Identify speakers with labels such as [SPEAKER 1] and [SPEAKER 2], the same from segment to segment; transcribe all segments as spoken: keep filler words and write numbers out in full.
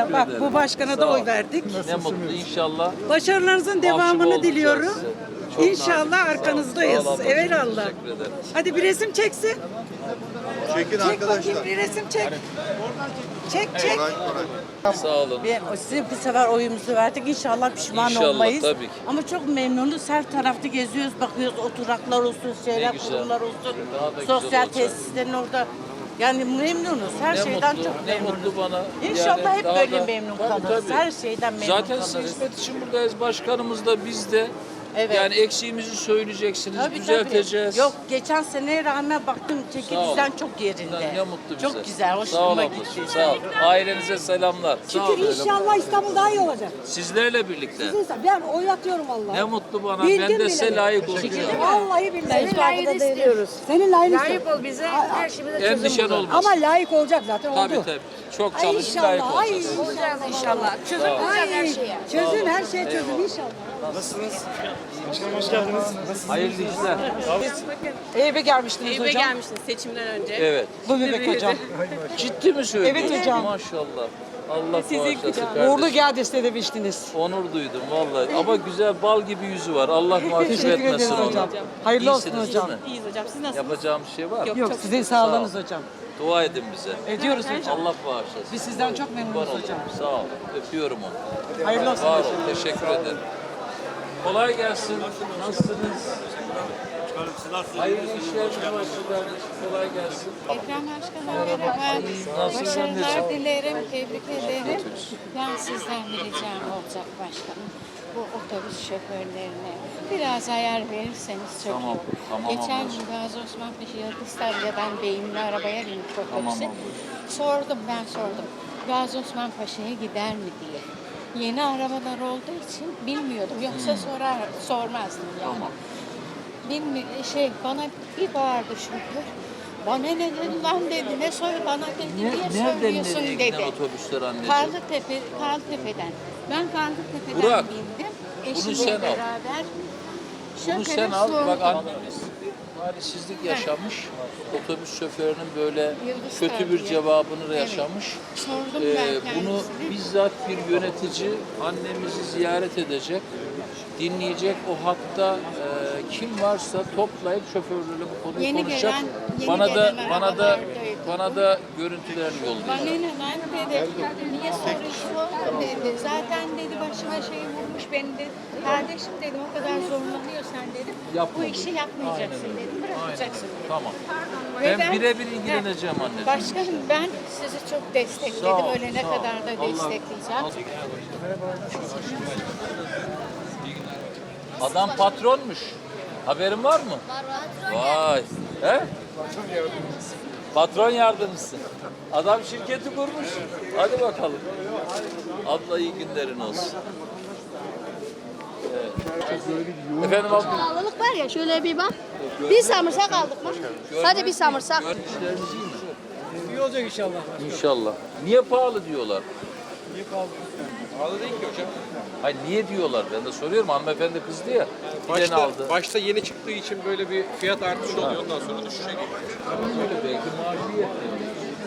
[SPEAKER 1] Teşekkür
[SPEAKER 2] bak
[SPEAKER 1] ederim.
[SPEAKER 2] bu başkana
[SPEAKER 1] Sağ
[SPEAKER 2] da
[SPEAKER 1] ol.
[SPEAKER 2] oy verdik.
[SPEAKER 1] Ne mutlu inşallah.
[SPEAKER 2] Başarılarınızın
[SPEAKER 1] Mahcup
[SPEAKER 2] devamını
[SPEAKER 1] olmayacağız
[SPEAKER 2] diliyorum.
[SPEAKER 1] size. Çok
[SPEAKER 2] İnşallah
[SPEAKER 1] nazik.
[SPEAKER 2] arkanızdayız.
[SPEAKER 1] Sağ ol ablacığım,
[SPEAKER 2] Evelallah.
[SPEAKER 1] teşekkür ederim.
[SPEAKER 2] Hadi bir resim çeksin.
[SPEAKER 3] Çekin
[SPEAKER 2] Çek
[SPEAKER 3] arkadaşlar.
[SPEAKER 2] bakayım bir resim çek. Çek çek.
[SPEAKER 3] Koray, Koray.
[SPEAKER 1] Sağ olun.
[SPEAKER 4] Ve size bu sefer oyumuzu verdik. İnşallah pişman
[SPEAKER 1] İnşallah,
[SPEAKER 4] olmayız.
[SPEAKER 1] tabii ki.
[SPEAKER 4] Ama çok memnunuz. Her tarafta geziyoruz, bakıyoruz. Oturaklar olsun, şeyler,
[SPEAKER 1] güzel.
[SPEAKER 4] kurumlar olsun.
[SPEAKER 1] Daha da güzel
[SPEAKER 4] Sosyal
[SPEAKER 1] olacak.
[SPEAKER 4] tesislerin orada. Yani memnunuz. Her
[SPEAKER 1] Ne
[SPEAKER 4] şeyden
[SPEAKER 1] mutlu,
[SPEAKER 4] çok
[SPEAKER 1] ne
[SPEAKER 4] memnunuz.
[SPEAKER 1] mutlu bana.
[SPEAKER 4] İnşallah
[SPEAKER 1] Yani
[SPEAKER 4] hep
[SPEAKER 1] daha
[SPEAKER 4] böyle
[SPEAKER 1] da-
[SPEAKER 4] memnun
[SPEAKER 1] Tabii,
[SPEAKER 4] kalırız.
[SPEAKER 1] tabii.
[SPEAKER 4] Her şeyden memnun
[SPEAKER 1] Zaten
[SPEAKER 4] kalırız.
[SPEAKER 1] siz hizmet için buradayız. Başkanımız da biz de.
[SPEAKER 4] Evet.
[SPEAKER 1] Yani eksiğimizi söyleyeceksiniz,
[SPEAKER 4] Tabii,
[SPEAKER 1] düzelteceğiz.
[SPEAKER 4] tabii. Yok, geçen seneye rağmen baktım çeki
[SPEAKER 1] Sağ ol.
[SPEAKER 4] düzen çok yerinde.
[SPEAKER 1] Ne mutlu bize.
[SPEAKER 4] Çok güzel,
[SPEAKER 1] Sağ ol
[SPEAKER 4] hoşuma
[SPEAKER 1] ablacığım,
[SPEAKER 4] gitti.
[SPEAKER 1] sağ ol. Ailenize selamlar. Sağ olun.
[SPEAKER 5] İnşallah İstanbul daha iyi olacak.
[SPEAKER 1] Sizlerle birlikte.
[SPEAKER 5] Ben oy atıyorum vallahi.
[SPEAKER 1] Ne mutlu bana.
[SPEAKER 5] Bildim
[SPEAKER 1] Ben de
[SPEAKER 5] bile.
[SPEAKER 1] size layık olacağım.
[SPEAKER 5] Vallahi billahi.
[SPEAKER 6] Senin layığını istiyoruz.
[SPEAKER 5] Senin layığını
[SPEAKER 6] Layık
[SPEAKER 5] istiyorum.
[SPEAKER 6] ol bize, her şeyimize çözüm
[SPEAKER 1] Endişen
[SPEAKER 6] bul.
[SPEAKER 1] olmasın.
[SPEAKER 5] Ama layık olacak zaten
[SPEAKER 1] Tabii
[SPEAKER 5] oldu.
[SPEAKER 1] tabii. Çok
[SPEAKER 5] Ay
[SPEAKER 1] çalışıp layık
[SPEAKER 5] inşallah. Ay
[SPEAKER 1] olacağız.
[SPEAKER 6] Olacağız inşallah. Çözüm bulacağız her şeye.
[SPEAKER 5] Çözün her şey çözün inşallah.
[SPEAKER 1] Hayırlı işler.
[SPEAKER 2] Eyüp'e gelmiştiniz
[SPEAKER 7] Eyüp'e
[SPEAKER 2] hocam.
[SPEAKER 7] gelmiştiniz seçimden önce.
[SPEAKER 1] Evet.
[SPEAKER 2] Bu bebek hocam.
[SPEAKER 1] Ciddi mi söylüyorsun?
[SPEAKER 2] Evet hocam.
[SPEAKER 1] Maşallah. Allah
[SPEAKER 7] Sizi
[SPEAKER 1] bağışlasın
[SPEAKER 7] kucağına.
[SPEAKER 1] kardeşim.
[SPEAKER 2] Uğurlu geldi istemiştiniz.
[SPEAKER 1] Onur duydum vallahi. Ama güzel bal gibi yüzü var. Allah mahcup
[SPEAKER 2] Teşekkür
[SPEAKER 1] etmesin
[SPEAKER 2] ederiz
[SPEAKER 1] onu.
[SPEAKER 2] hocam. Hayırlı olsun
[SPEAKER 1] İyisiniz
[SPEAKER 2] hocam.
[SPEAKER 1] değil mi?
[SPEAKER 7] İyiyiz hocam. Siz nasılsınız?
[SPEAKER 1] Yapacağım bir şey var mı?
[SPEAKER 2] Yok sizin sağlığınız hocam.
[SPEAKER 1] Dua edin bize.
[SPEAKER 2] Ediyoruz hocam.
[SPEAKER 1] Allah bağışlasın.
[SPEAKER 2] Biz sizden çok
[SPEAKER 1] Kurban
[SPEAKER 2] memnunuz
[SPEAKER 1] olayım.
[SPEAKER 2] hocam.
[SPEAKER 1] Sağ ol. Öpüyorum onu.
[SPEAKER 2] Hayırlı olsun
[SPEAKER 1] Var
[SPEAKER 2] hocam.
[SPEAKER 1] ol. Teşekkür ederim. Kolay gelsin. Nasılsınız? Hayırlı işler başlı kardeşim. Kolay gelsin.
[SPEAKER 8] Ekrem Başkan'a merhaba.
[SPEAKER 1] Nasılsın
[SPEAKER 8] Başarılar
[SPEAKER 1] anneciğim?
[SPEAKER 8] dilerim, tebrik ederim. Ben sizden bir ricam olacak başkanım. Bu otobüs şoförlerine biraz ayar verirseniz çok
[SPEAKER 1] Tamam,
[SPEAKER 8] iyi olur.
[SPEAKER 1] tamam
[SPEAKER 8] Geçen
[SPEAKER 1] ablacığım.
[SPEAKER 8] gün Gazi Osman Paşa Yakıstalya'dan beyimli arabaya bindik otobüse.
[SPEAKER 1] Tamam
[SPEAKER 8] Sordum, ben sordum. Gazi Osman Paşa'ya gider mi diye. Yeni arabalar olduğu için bilmiyordum. Yoksa sorar, sormazdım yani.
[SPEAKER 1] Tamam.
[SPEAKER 8] Bilmi şey bana bir bağırdı şoför. Bana ne dedi lan dedi, ne soy bana dedi,
[SPEAKER 1] Ne,
[SPEAKER 8] niye
[SPEAKER 1] nereden
[SPEAKER 8] söylüyorsun
[SPEAKER 1] nereye giden
[SPEAKER 8] dedi.
[SPEAKER 1] otobüsler anneciğim?
[SPEAKER 8] Karlıtepe, Karlıtepe'den. Ben Karlıtepe'den
[SPEAKER 1] Burak,
[SPEAKER 8] bindim.
[SPEAKER 1] bunu
[SPEAKER 8] Eşimle
[SPEAKER 1] sen al.
[SPEAKER 8] beraber.
[SPEAKER 1] Bunu
[SPEAKER 8] Şoföre
[SPEAKER 1] sen al. Bak
[SPEAKER 8] sordum.
[SPEAKER 1] annemiz talihsizlik yaşamış. Otobüs şoförünün böyle
[SPEAKER 8] Yıldız
[SPEAKER 1] kötü bir
[SPEAKER 8] Tabiye.
[SPEAKER 1] cevabını
[SPEAKER 8] Evet.
[SPEAKER 1] yaşamış.
[SPEAKER 8] Sordum
[SPEAKER 1] Ee,
[SPEAKER 8] ben
[SPEAKER 1] bunu
[SPEAKER 8] kendisine.
[SPEAKER 1] bizzat bir yönetici annemizi ziyaret edecek, dinleyecek. O hatta e, kim varsa toplayıp şoförlerle bu konuyu
[SPEAKER 8] Yeni
[SPEAKER 1] konuşacak.
[SPEAKER 8] gelen- yeni
[SPEAKER 1] bana da
[SPEAKER 8] gelen
[SPEAKER 1] bana da
[SPEAKER 8] arabalardaydı.
[SPEAKER 1] bana da görüntülerini
[SPEAKER 8] Bana
[SPEAKER 1] yollayacak.
[SPEAKER 8] ne lan dedi, niye soruyorsun dedi. Zaten dedi başıma şey vurmuş beni dedi. Kardeşim dedim o kadar zorlanıyorsan dedim.
[SPEAKER 1] Yapma
[SPEAKER 8] Bu
[SPEAKER 1] bu
[SPEAKER 8] işi yapmayacaksın dedim. Bırakacaksın dedim.
[SPEAKER 1] Tamam.
[SPEAKER 8] Ve
[SPEAKER 1] Ben birebir ilgileneceğim anneciğim.
[SPEAKER 8] Başkanım ben sizi çok destekledim.
[SPEAKER 1] Sağ ol,
[SPEAKER 8] Ölene
[SPEAKER 1] sağ ol.
[SPEAKER 8] kadar da
[SPEAKER 1] Allah-
[SPEAKER 8] destekleyeceğim.
[SPEAKER 1] Adam patronmuş. Haberin var mı? Var. Vay. He? Patron yardımcısı. Adam şirketi kurmuş. Hadi bakalım. Abla iyi günlerin olsun. Evet. Efendim abla.
[SPEAKER 6] Pahalılık var ya şöyle bir bak. Bir samırsak aldık mı? Hadi bir samırsak.
[SPEAKER 1] İşleriniz iyi mi?
[SPEAKER 9] İyi olacak inşallah.
[SPEAKER 1] İnşallah. Niye pahalı diyorlar?
[SPEAKER 9] Pahalı değil ki hocam.
[SPEAKER 1] Hayır niye diyorlar? Ben de soruyorum. Hanımefendi kızdı ya. Giden
[SPEAKER 9] Başta,
[SPEAKER 1] aldı.
[SPEAKER 9] başta yeni çıktığı için böyle bir fiyat artışı oluyor. Ondan sonra düşüşe geliyor.
[SPEAKER 1] Öyle belki maaşı yetmiyor.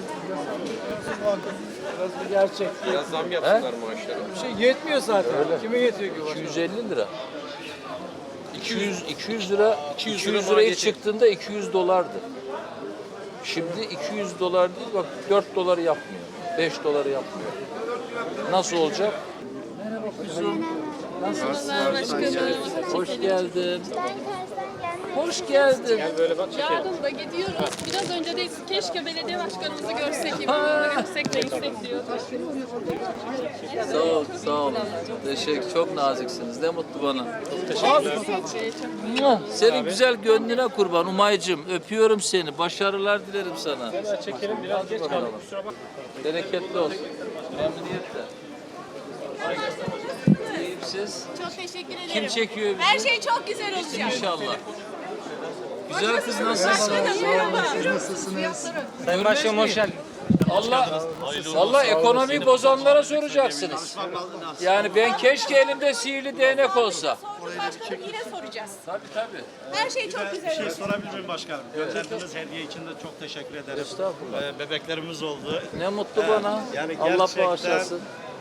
[SPEAKER 9] Biraz bir gerçek. Biraz zam yapsınlar maaşlara. Bir şey yetmiyor zaten. Kime yetiyor ki?
[SPEAKER 1] iki yüz elli lira. iki yüz iki yüz lira
[SPEAKER 9] iki yüz
[SPEAKER 1] iki yüz
[SPEAKER 9] lira
[SPEAKER 1] lirayı
[SPEAKER 9] maliyeti.
[SPEAKER 1] çıktığında iki yüz dolardı. Şimdi iki yüz dolar değil bak dört doları yapmıyor. beş doları yapmıyor. Nasıl olacak? Merhaba kuzum. Nasılsın? Hoş geldin. Hoş geldin.
[SPEAKER 7] Yarın da gidiyoruz. Biraz önce de keşke belediye başkanımızı görsek, İmamoğlu'nu görsek de gitsek diyorduk.
[SPEAKER 1] Sağ ol, sağ olun. Teşekkür, çok naziksiniz. Ne mutlu bana. Muah! Senin güzel gönlüne kurban Umay'cığım. Öpüyorum seni. Başarılar dilerim sana.
[SPEAKER 9] Çekelim biraz geç kaldık. Kusura bakma.
[SPEAKER 1] Bereketli olsun. Memnuniyetle. İyiyim siz.
[SPEAKER 7] Çok teşekkür ederim.
[SPEAKER 1] Kim çekiyor bizi?
[SPEAKER 7] Her şey çok güzel olacak.
[SPEAKER 1] İnşallah. Güzel kız nasılsın?
[SPEAKER 7] Merhaba.
[SPEAKER 1] Sayın Başkanım hoş geldin. Allah, Allah ekonomi bozanlara soracaksınız. Yani ben keşke elimde sihirli değnek olsa.
[SPEAKER 7] Başkanım yine soracağız.
[SPEAKER 1] Tabii tabii.
[SPEAKER 7] Her şey çok güzel
[SPEAKER 10] şey
[SPEAKER 7] olacak.
[SPEAKER 10] sorabilir miyim başkanım? Gönderdiğiniz hediye için de çok teşekkür ederim.
[SPEAKER 1] Estağfurullah.
[SPEAKER 10] Ee, bebeklerimiz oldu.
[SPEAKER 1] Ne mutlu bana.
[SPEAKER 10] Yani
[SPEAKER 1] Allah
[SPEAKER 10] gerçekten
[SPEAKER 1] bağışlasın.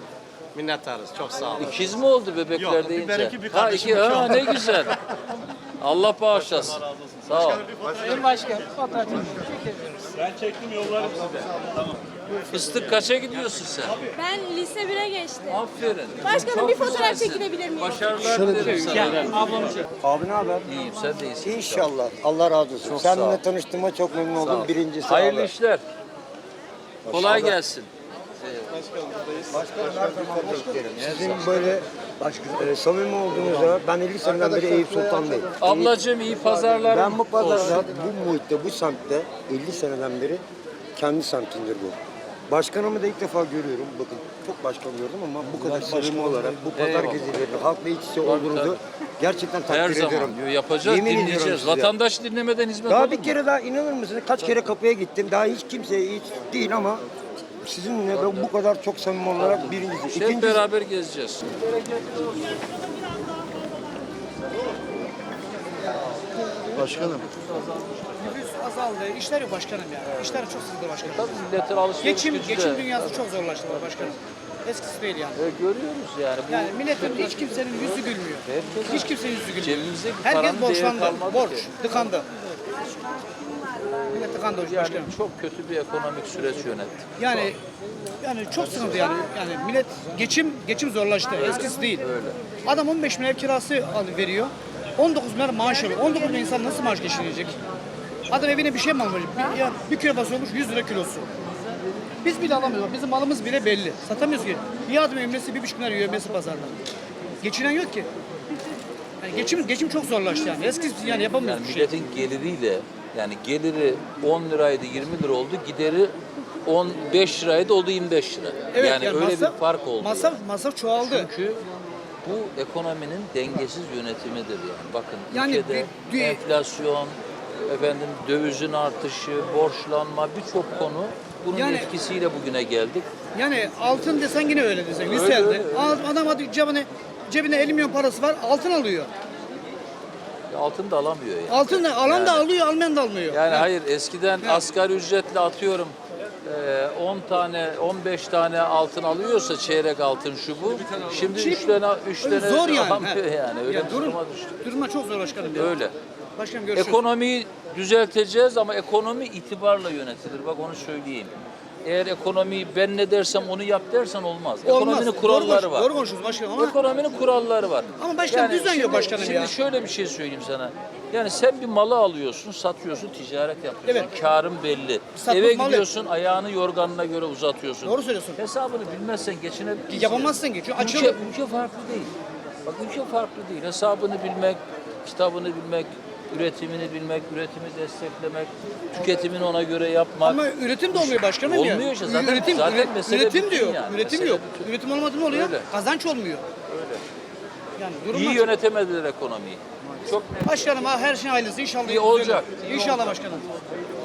[SPEAKER 9] Minnettarız. Çok sağ olun.
[SPEAKER 1] İkiz mi oldu bebekler
[SPEAKER 10] Yok,
[SPEAKER 1] deyince?
[SPEAKER 10] biber iki, bir
[SPEAKER 1] ha
[SPEAKER 10] kardeşim
[SPEAKER 1] iki,
[SPEAKER 10] iki
[SPEAKER 1] ha
[SPEAKER 10] oldu.
[SPEAKER 1] ne güzel. Allah bağışlasın. Sağ ol.
[SPEAKER 9] Sayın Başkan, fotoğraf
[SPEAKER 10] Ben çektim yollarım size. Tamam.
[SPEAKER 1] Fıstık kaça gidiyorsun sen?
[SPEAKER 6] Ben lise bire geçtim.
[SPEAKER 1] Aferin.
[SPEAKER 6] Başkanım,
[SPEAKER 1] Çok
[SPEAKER 6] bir fotoğraf
[SPEAKER 1] güzelsin.
[SPEAKER 6] çekilebilir miyim?
[SPEAKER 1] Başarılar dilerim sana.
[SPEAKER 9] ablamı çek.
[SPEAKER 3] Abi ne haber?
[SPEAKER 1] İyiyim, sen de iyisin.
[SPEAKER 3] İnşallah. Allah razı olsun.
[SPEAKER 1] Çok sağ ol.
[SPEAKER 3] Seninle tanıştığıma çok memnun
[SPEAKER 1] Sağ
[SPEAKER 3] oldum.
[SPEAKER 1] ol.
[SPEAKER 3] Birincisi
[SPEAKER 1] Hayırlı
[SPEAKER 3] abi.
[SPEAKER 1] işler. Kolay gelsin.
[SPEAKER 3] Başkanım her zaman beklerim. Sizin böyle başka, e, samimi olduğunuzda ben elli seneden beri Eyüp Sultan'dayım.
[SPEAKER 1] Ablacığım iyi pazarlar.
[SPEAKER 3] Ben bu pazarda, bu muhitte, bu semtte elli seneden beri kendi semtimdir bu. Başkanımı da ilk defa görüyorum. Bakın çok başkan gördüm ama bu kadar samimi olarak bu pazar
[SPEAKER 1] Eyvallah.
[SPEAKER 3] gezileri, halkla iç içe olduğunuzu gerçekten takdir
[SPEAKER 1] Her
[SPEAKER 3] ediyorum.
[SPEAKER 1] zaman diyor, yapacağız,
[SPEAKER 3] Yemin ediyorum
[SPEAKER 1] dinleyeceğiz.
[SPEAKER 3] size.
[SPEAKER 1] Vatandaş dinlemeden hizmet
[SPEAKER 3] Daha
[SPEAKER 1] olur
[SPEAKER 3] bir
[SPEAKER 1] mu?
[SPEAKER 3] kere daha inanır mısınız? Kaç kere kapıya gittim. Daha hiç kimseye hiç değil ama sizinle ben bu kadar çok samimi olarak birincisi.
[SPEAKER 1] Hep
[SPEAKER 3] İkincisi
[SPEAKER 1] beraber gezeceğiz.
[SPEAKER 3] başkanım.
[SPEAKER 9] Nüfus azaldı. İşler yok başkanım ya. İşler çok sıkıntı başkanım.
[SPEAKER 1] Tabii milletin alışveriş
[SPEAKER 9] Geçim,
[SPEAKER 1] gücü de-
[SPEAKER 9] geçim dünyası çok zorlaştı başkanım. Eskisi değil yani.
[SPEAKER 1] E, görüyoruz yani. Bu
[SPEAKER 9] Yani milletin hiç kimsenin yüzü gülmüyor.
[SPEAKER 1] Herkesin-
[SPEAKER 9] Hiç kimsenin yüzü gülmüyor.
[SPEAKER 1] cebimizdeki paranın
[SPEAKER 9] Herkes
[SPEAKER 1] değeri
[SPEAKER 9] borçlandı.
[SPEAKER 1] kalmadı
[SPEAKER 9] Borç,
[SPEAKER 1] ki.
[SPEAKER 9] tıkandı. Millet tıkandı
[SPEAKER 1] Yani
[SPEAKER 9] başkanım.
[SPEAKER 1] çok kötü bir ekonomik süreç yönettik.
[SPEAKER 9] Yani yani çok sıkıntı yani. Yani millet geçim geçim zorlaştı. Eskisi değil. Adam on beş bin ev kirası al- veriyor. on dokuz bin lira maaş alıyor. on dokuz bin insan nasıl maaş geçinecek? Adam evine bir şey mi almış? Bir, ya, bir kilo basıyormuş yüz lira kilosu. Biz bile alamıyoruz. Bizim malımız bile belli. Satamıyoruz ki. Bir adım emresi bir buçuk lira emresi pazarda. Geçinen yok ki. Yani geçim geçim çok zorlaştı yani. Eskisi yani
[SPEAKER 1] Yani
[SPEAKER 9] yapamıyoruz bir şey.
[SPEAKER 1] milletin geliriyle yani geliri on liraydı yirmi lira oldu. Gideri on beş liraydı oldu yirmi beş lira.
[SPEAKER 9] Evet,
[SPEAKER 1] yani, öyle
[SPEAKER 9] masraf-
[SPEAKER 1] bir fark oldu.
[SPEAKER 9] Masraf,
[SPEAKER 1] yani.
[SPEAKER 9] masraf çoğaldı.
[SPEAKER 1] Çünkü bu ekonominin dengesiz yönetimidir yani. Bakın
[SPEAKER 9] Yani
[SPEAKER 1] ülkede
[SPEAKER 9] bir- bir-
[SPEAKER 1] enflasyon, efendim dövizin artışı, borçlanma birçok konu bunun
[SPEAKER 9] Yani-
[SPEAKER 1] etkisiyle bugüne geldik.
[SPEAKER 9] Yani altın desen yine öyle desen.
[SPEAKER 1] Öyle,
[SPEAKER 9] Yükseldi.
[SPEAKER 1] öyle, öyle.
[SPEAKER 9] Al- Adam hadi cebine, cebine elli milyon parası var altın alıyor.
[SPEAKER 1] Ya altın da alamıyor yani.
[SPEAKER 9] Altın da alan da
[SPEAKER 1] Yani-
[SPEAKER 9] alıyor almayan da almıyor.
[SPEAKER 1] Yani hayır eskiden asgari ücretle atıyorum eee, on tane on beş tane altın alıyorsa çeyrek altın şu bu. Şimdi üç tane üç
[SPEAKER 9] Öyle
[SPEAKER 1] tane
[SPEAKER 9] zor yani.
[SPEAKER 1] alamıyor
[SPEAKER 9] he.
[SPEAKER 1] yani. Öyle
[SPEAKER 9] Ya
[SPEAKER 1] bir
[SPEAKER 9] durum,
[SPEAKER 1] duruma düştük.
[SPEAKER 9] duruma çok zor başkanım. ya.
[SPEAKER 1] Öyle.
[SPEAKER 9] Başkanım görüşürüz.
[SPEAKER 1] Ekonomiyi düzelteceğiz ama ekonomi itibarla yönetilir. Bak onu söyleyeyim. Eğer ekonomiyi ben ne dersem onu yap dersen olmaz.
[SPEAKER 9] Olmaz.
[SPEAKER 1] Ekonominin
[SPEAKER 9] Doğru
[SPEAKER 1] kuralları
[SPEAKER 9] konuş-
[SPEAKER 1] var.
[SPEAKER 9] Doğru konuşuyoruz başkanım ama
[SPEAKER 1] Ekonominin kuralları var.
[SPEAKER 9] Ama başkanım düzen yok
[SPEAKER 1] şimdi-
[SPEAKER 9] başkanım
[SPEAKER 1] şimdi
[SPEAKER 9] ya.
[SPEAKER 1] şöyle bir şey söyleyeyim sana. Yani sen bir malı alıyorsun, satıyorsun, ticaret yapıyorsun.
[SPEAKER 9] Evet.
[SPEAKER 1] Karın belli.
[SPEAKER 9] Satmak
[SPEAKER 1] Eve
[SPEAKER 9] malı.
[SPEAKER 1] gidiyorsun, ayağını yorganına göre uzatıyorsun.
[SPEAKER 9] Doğru söylüyorsun.
[SPEAKER 1] Hesabını bilmezsen geçinebilir misin?
[SPEAKER 9] yapamazsın ki. Çünkü
[SPEAKER 1] Ülke,
[SPEAKER 9] açılıyor.
[SPEAKER 1] ülke farklı değil. Bak ülke farklı değil. Hesabını bilmek, kitabını bilmek, üretimini bilmek, üretimi desteklemek, tüketimini ona göre yapmak.
[SPEAKER 9] Ama üretim de olmuyor başkanım ya.
[SPEAKER 1] Olmuyor işte. Zaten-
[SPEAKER 9] üretim,
[SPEAKER 1] zaten
[SPEAKER 9] üre-
[SPEAKER 1] mesele
[SPEAKER 9] üretim
[SPEAKER 1] bütün
[SPEAKER 9] diyor.
[SPEAKER 1] yani.
[SPEAKER 9] Üretim
[SPEAKER 1] Mesele
[SPEAKER 9] yok.
[SPEAKER 1] bütün.
[SPEAKER 9] Üretim olmadı ne oluyor?
[SPEAKER 1] Öyle.
[SPEAKER 9] Kazanç olmuyor.
[SPEAKER 1] Öyle.
[SPEAKER 9] Yani durum
[SPEAKER 1] İyi
[SPEAKER 9] açık.
[SPEAKER 1] yönetemediler ekonomiyi. Çok net.
[SPEAKER 9] Başkanım ha her şeyin hayırlısı inşallah.
[SPEAKER 1] İyi olacak.
[SPEAKER 9] İnşallah başkanım.